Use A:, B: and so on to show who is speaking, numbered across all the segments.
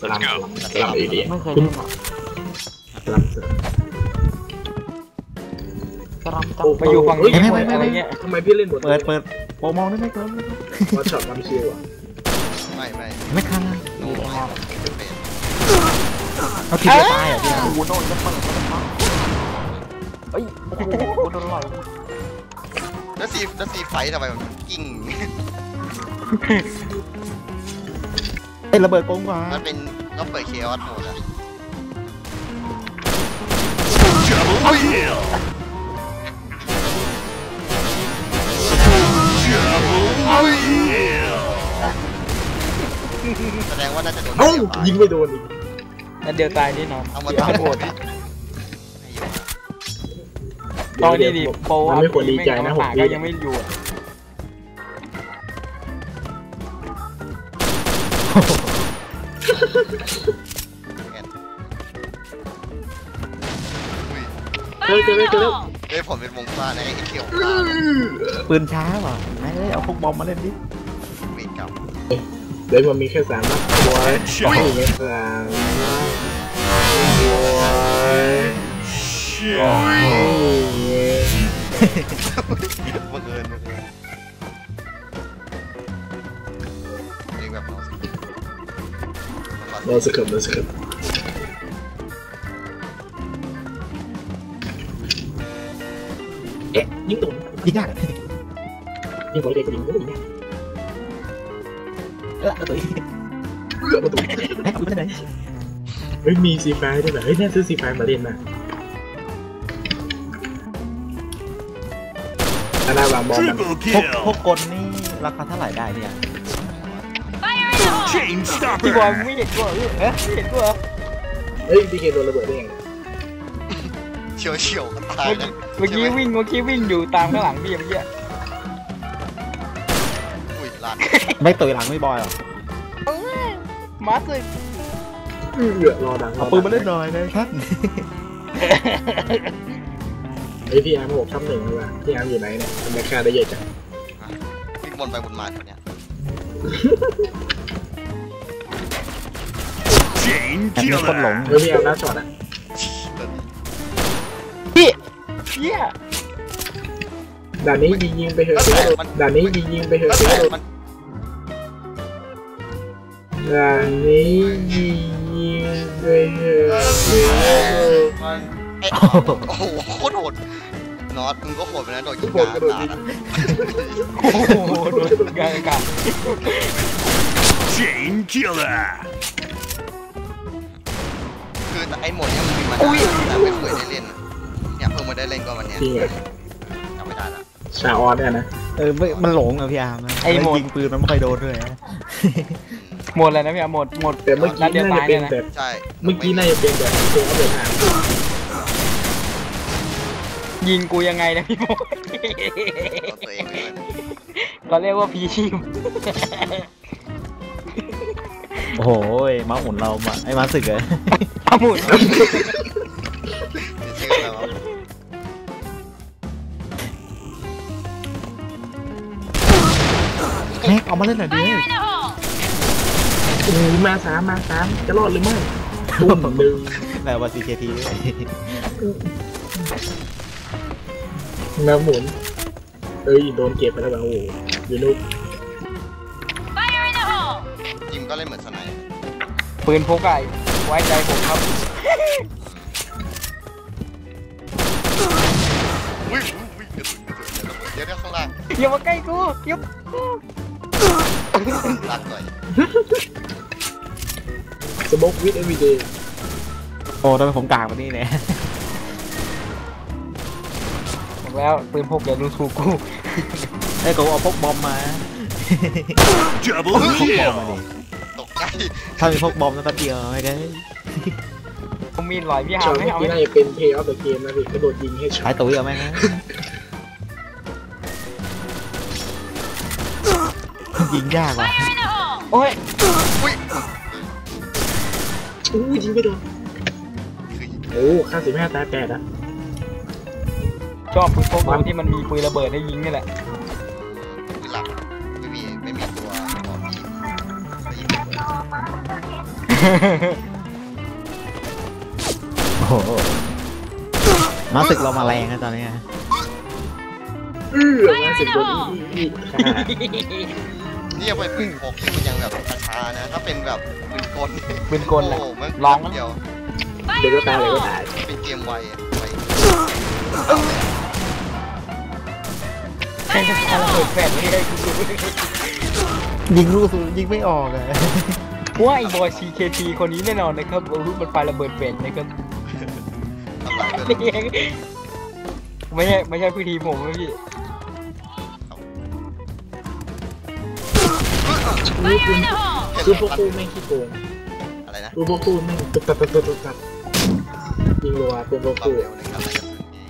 A: Let's go
B: สลับอีเดีย
C: ไม่เคยเล่นหรอก
B: สลับเสือก
C: ระรำจับ
D: ไปอยู่ฝั่งนี้หมดอะไรเงี้ย
B: ทำไมพี่เล่นบท
A: เปิดโปรมองได้ไหมครับ
B: ว่าช็อตมันคิวอ่ะ
A: ไม่คัน
C: ดีเลยครับ
A: เอาทีเดียวตายอ่ะพี่
C: โอ้โหโดนจะเปิดก็ได้ครับเอ้ยโอ้โหโดนลอย
E: แล้วซีไฟทำไมมันกิ้ง
A: ไอ้ระเบิดโกงกว่า
E: มันเป็นก็เปิดเคออสโหมดอะ
D: Double kill Double kill
E: แสดงว่าน่าจะโดน
B: เอ้ายิงไม่โดนอีก
D: นั่นเดียวตายแน่นอน
E: เอามาตาม
D: โหดตอนนี้ดิโปร
B: มันไม่ควรดีใจนะผม
D: ก็ยังไม่อยู่
B: เจอแล้ว
E: เฮ้ยผมเป็นวงฟ้าในไอ้เขียว
A: ปืนช้าว่ะไม่เลยเอาพวกบอมมาเล่นดิ
E: เวทเก่า
B: เดี๋ยวมันมีแค่3 นัดบอยไม่มี3 บอยโอ้ย
E: บังเอิญเองแบบเรา
B: เราสกิปเอ๊ะยิงตรง
A: ยิงยาก
B: ยิงบอลเด็กยิงก็ยิง
A: ตัวอีก
B: ประตู
A: ให้เอาไปไหน
B: เฮ้ยมีซีไฟด้วยเหรอเฮ้ยน่าซื้อซีไฟมาเล่นนะอันน่าวางบอล
D: Triple
A: พวก
D: kill
A: กลนี่ราคาเท่าไหร่ได้เนี่ย
D: Chain
C: พี่บอล
D: stopper
C: ไม่เห็นกูเหรอพี่ไม่เห็นกูเหรอ
B: เฮ้ยดีเกโดนระเบิดได้ยัง
E: เฉียวตายเลย
C: เมื่อกี้วิ่งอยู่ตามข้างหลังพี่เมื่อกี้
E: อุ้ยลาน
A: ไม่ต่อยหลังไม่บอยหรอ
C: มาสึก
B: รอดัง
A: เอาปืนมาเล่นหน่อยนะครับ
B: ไอพี่อาร์ม6 ทับ 1เลยว่ะพี่อาร์มอยู่ไหนเนี่ยทำไมค่าได้เยอะจัง
E: วิ่งบนไปบนมาคนเนี้ย
D: Chain
A: แต่มีคนหลง
D: killer
B: เฮ้ยพี่อาร์มน่าช็อตอ่ะ
C: เฮีย
B: ด่านนี้ยิงไปเถอะด่านนี้ยิงไปเถอะ
E: มัน
B: ด่านนี้ยิงไปเถอะ
E: มันไอ้โอ้โหโคตรโหดนอตมึงก็โหดไปนะโดดยิง
B: โหดกระโดดยิง
C: โอ้โหโดนกลางอากาศ
D: Chain killer
E: คือไอ้โหมดเนี้ยมันมีมาแต่ไม่เคยได้เล่นเนี่ยเพิ่งมาได้เล่นก็วันเนี้ย
B: จริงอ่ะ
E: จำไม่ได้ละ
B: ชาออนเนี่ยนะ
A: มันหลงอะพี่อาร์มยิงปืนมันไม่ค่อยโดนด้วย
C: หมดเลยนะพี่หมด
B: แต่เมื่อกี้น่าจะเป็นแบบ
E: ใช่
B: เมื่อกี้น่าจะเป็นแบบตัวอัปเดตทาง
C: ยิงกูยังไงนะพี่โม
E: ตัวเองเลย
C: เราเรียกว่าพีชีพ
A: โอ้โหม้าหมุนเราไอ้ม้าศึกเลย
C: อาหมุน
E: ชื่ออะไรวะ
A: แม็กเอามาเล่นหน่อยดิ
B: โอ้มา3จะรอดหรือไม่ตุ้มหนึ่ง
A: แบบว่า CKT
B: น้ำหมุนเอ้ยโดนเก็บไปแล้วแบบโอ้โหยูนุก
E: จิมก็เล่นเหมือนสไนด์
C: ปืนพกไก่ไว้ใจผมครับ
E: อุ้ยเดี๋ยวข้างล่าง
C: อย่ามาใกล้กูอย่า
E: ลากหน่อย
B: สโมกวิดเอวีเดย์
A: โอ้ทำไมผมกากแบบนี้เนี่ย
C: บอกแล้วปืนพกอย่าดูถูกกู
A: ไอ้กูเอาพกบอมมา
D: Double
A: พกบอม
D: kill
A: มาดิ
E: ตกใจ
A: ถ้ามีพกบอมแล้วแป๊บเดียวไม่ได้
C: ผมมีลอยพี่หา
B: ช็อต
C: ไม่
B: เมื่อ
C: เอา
B: กี้น่าจะเป็นเพย์ออฟเดอะเกมนะพี่กระโดดยิงให้ช็อ
A: ใช้
B: ต
A: ตัวเอาไหมนะยิงยากว่ะ
C: โอ้ย
E: อุ้ย
B: อู้ยิงไม่โดนโอ้ค่า15 ตาย8อ่ะ
C: ชอบปืนพกที่มันมีปืนระเบิดให้ยิงนี่แหละ
E: คือหลักไม่มีตัวบอกพี่
A: โอ้โหมาศึกเรามาแรงนะตอนนี้
B: มาสิโดนอีค่ะ
E: นี่ยังเป็นปืนพกที่มันยังแบบช้าๆนะ ถ้าเป็นแบบปืนกล
C: ปืนกล
E: โอ้
C: อะ
E: โหมัน
C: ลอง
E: เดียว
B: เดี๋ยวก็ตายเลยก็ตาย
E: เป็นเกมไวอะไว
C: แค่จะระเบิดแฟนไม่ได้กู
A: ยิงลูกยิงไม่ออกเลย
C: ว่าไอ้บอย CKT คนนี้แน่นอนนะครับมันไประเบิดแฟนนะครับ
E: ทำลายไป
C: นี่เองไม่ใช่พื้นที่ผมนะพี่
B: นี่คือพวกกูแม่งขี้โกง
E: อะไรนะ
B: พวกกูแม่งตุ๊บตับยิงรัวเป็นพวก
E: ความ
B: กู
E: เร็วในการไล่กระสุน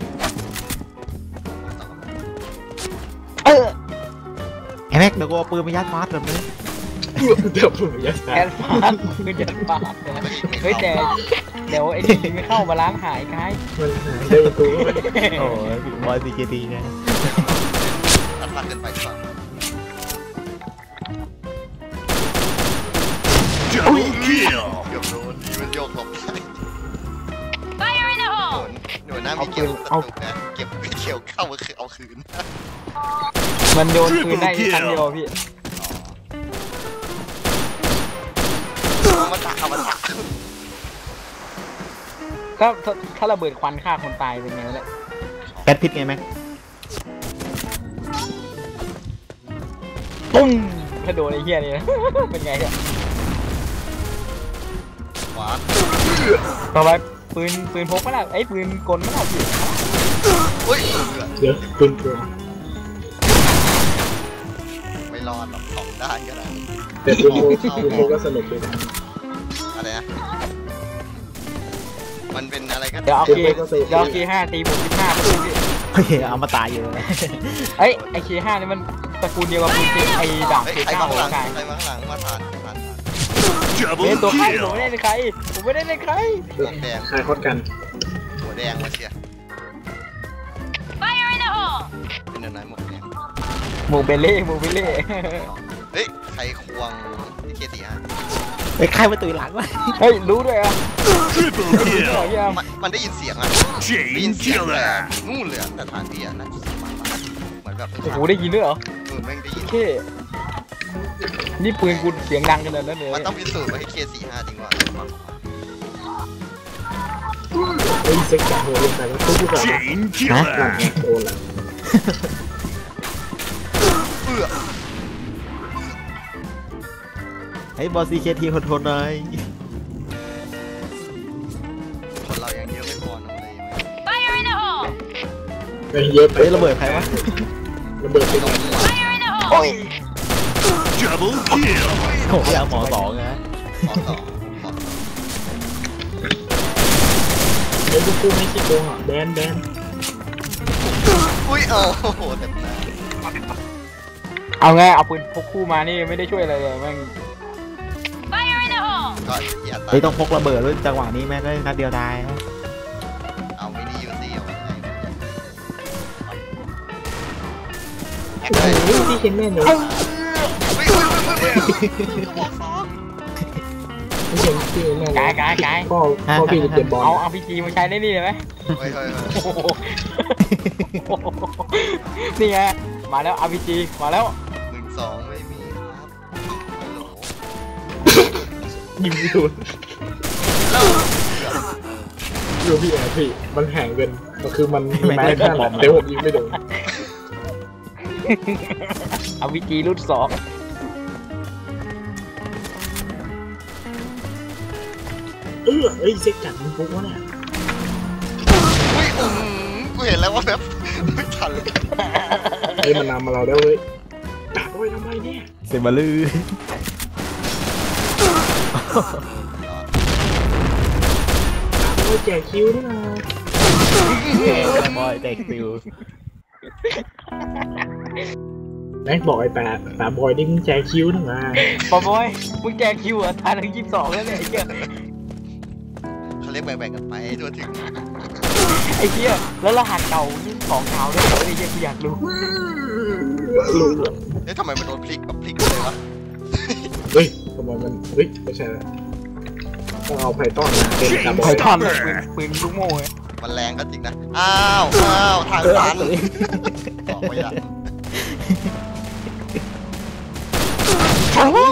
E: ที่
C: เออ
A: ไอ้แม็กเดี๋ยวกูเอาปืนไปยัดฟาสแบบนี้
B: เดี๋ยวผมจะ
C: แอนฟาดปืนยันฟาดนะเฮ้ยแต่เดี๋ยวไอ้นี่ไม่เข้ามาล้างหายกาย
B: มันหายได้ตัว
A: โอ้ยบอยซีเกตีไง
E: ตัดพลาดเกินไปหรือเปล่า
D: Double kill.
E: เกือบโดนดีมันโยกหลบได้หนูหน้ามีเกี่ยวกระตุกนะเก็บเกี่ยวเข้ามาคือเอาคืน
C: มันโยนปืนได้แค่ครั้งเดียวพี่
E: เอามาตัก
C: ถ้าระเบิดควันฆ่าคนตายเป็นไงวะเนี่ย
A: แก๊สพิษไงแม็ก
C: ปุ้งถ้าโดนไอ้เหี้ยนี่นะ เป็นไงเนี่ย
E: ขวา
C: ต่อไปปืนพกมั้ยล่ะไอ้ปืนกลมั้ยล่ะพี่
E: อุ้ย
B: เดี๋ยวปืนกล
E: ไม่รอดหรอกของด้านก็ได้
B: แต่ปืนโกก็สนุกเลยนะ
E: อะไรนะมันเป็นอะไรกัน
C: เดี๋ยวเอาเค5ตีผม15ประตูพี่
A: เฮ้ยเอามาตายเยอะเลย
C: เอ้ยไอ้เค5นี่มันตระกูลเดียวกับปืนเคไอ้ดาบ
E: เฮ้ย
C: เค
E: ใคร
C: 9
E: มา
C: ข
E: ข้างหลั
C: อง งกาย
E: ใครมาข้างหลังมาผ่าน
C: เล่น
D: Double
C: ตัวใครผมไม่
D: kill.
C: ได้ในใครผมไม่ได้ในใคร
E: หัวแดง
B: คลายคอดกัน
E: หัวแดงมาเชียร์เป็นเดินไหนหมวกแดง
C: หมูเบลเล่หมูเบลเล่
E: เฮ้ยใครควงที่เคตีฮะ
A: ไอ้ใครมาตุยหลังวะ
C: เฮ้ยรู้ด้วยอ่ะ
D: Triple
C: รู้ด้วย
D: kill.
C: พี่อ้ำ
E: มันได้ยินเสียงอ่ะได้ยิ
D: Chain
E: นเสียงแต่
D: killer.
E: นู่นเลยแต่ฐานเบียร์นั่นเหมือนแบบ
C: โอ้โหได้ยินด้วยเหรอ
E: แม่งได้ยิน
C: โอเคนี่ปืนกูเสียงดังขนาดนั้นเลย
E: มันต้องพิสูจน์ว่าให้เค45จริงว่า
B: ไอ้เซ็กจ่าโหลงไปแล้วตู้ก่อน
D: Chain
B: หลัง
D: killer.
B: โดนละ
E: เอื้อ
A: ไอ้บอยซีเกตีทนๆหน่อย
E: คนเรายังเยอะไม่พอน้องเลย
B: ไปเยอะไป
A: เฮ้ยระเบิดใครวะ
B: ระเบิดไป
E: ไม่
B: ห
E: ต้
B: น่
E: อ
B: อง ย
E: มั่ว
C: โอ้ย
D: Double kill.
A: โอ้ยเอาหมอสองนะ
E: ขอต่อ
B: ไอ้พวกกูไม่ขี้โกงอ่ะแบน
E: อุ้ยโอ้โหเต็มหน้า
C: เอาไงเอาปืนพกคู่มานี่ไม่ได้ช่วยอะไรเลยแม่ง
E: ก็อย่าตั
A: เฮ้ย
E: ด
A: ต้องพกระเบิดด้วยจังหวะนี้แม่งก็นัดเดียวตายนะ
E: เอามินิยูซี่เอาไว้แอค
B: ๆ
E: เลย
B: โอ้ยที่เห็นแม่หนู
E: อุ้ยบอกสอง
B: ที่เห็นที่แม่
C: กาย
B: พ่อพี่จะเก็บบอล
C: เอาพีจีมาใช้ได้นี่เลยไหม
E: เฮ้ย
C: โอ้โหนี่ไงมาแล้ว RPG มาแล้ว
E: 12ไม่มีครับฮัลโหล
B: ยิงไม่โดนดูพี่แอบพี่มันแห่งเกินมันคือมันแม้แค่หลอมแต่ผมยิงไม่โดน
C: RPG รุ่น2
B: เอ้ยเซ็กจัดมันฟุกวะเนี่ย
E: อุ้ยกูเห็นแล้วว่าแบบไม่ทันเลย
B: เฮ้ยมันนำมาเราแล้วเว้ยดักไว้ทำไมเนี่ย
A: เซมาลือ
B: ดักไว้แจกคิวด้วยนะ
A: บอยแตกซิว
B: แม็กบอกไอ้ตาบอยนี่มึงแจกคิวนะมา
C: ปอบอยมึงแจกคิวอ่ะทานถึง22แล้วเนี่ยไอ้เหี้ย
E: เขาเรียกแบ่งๆกันไปทั่วถึง
C: ไอ้เหี้ยแล้วรหัสเก่านี่ของเก่าด้วยเหรอไอ้เหี้ยกูอยากรู้
B: รู้
E: เอ๊ะทำไมมันโดนพลิกแบบพลิกเลยวะ
B: เฮ้ยทำไมมันเฮ้ยไม่ใช่ละต้องเอาไพทอนมาเป็นกระบอก
C: ไพทอนปืนลูกโม่ไง
E: มันแรงก็จริงนะ อ้าวทางตันบอกไม่ได้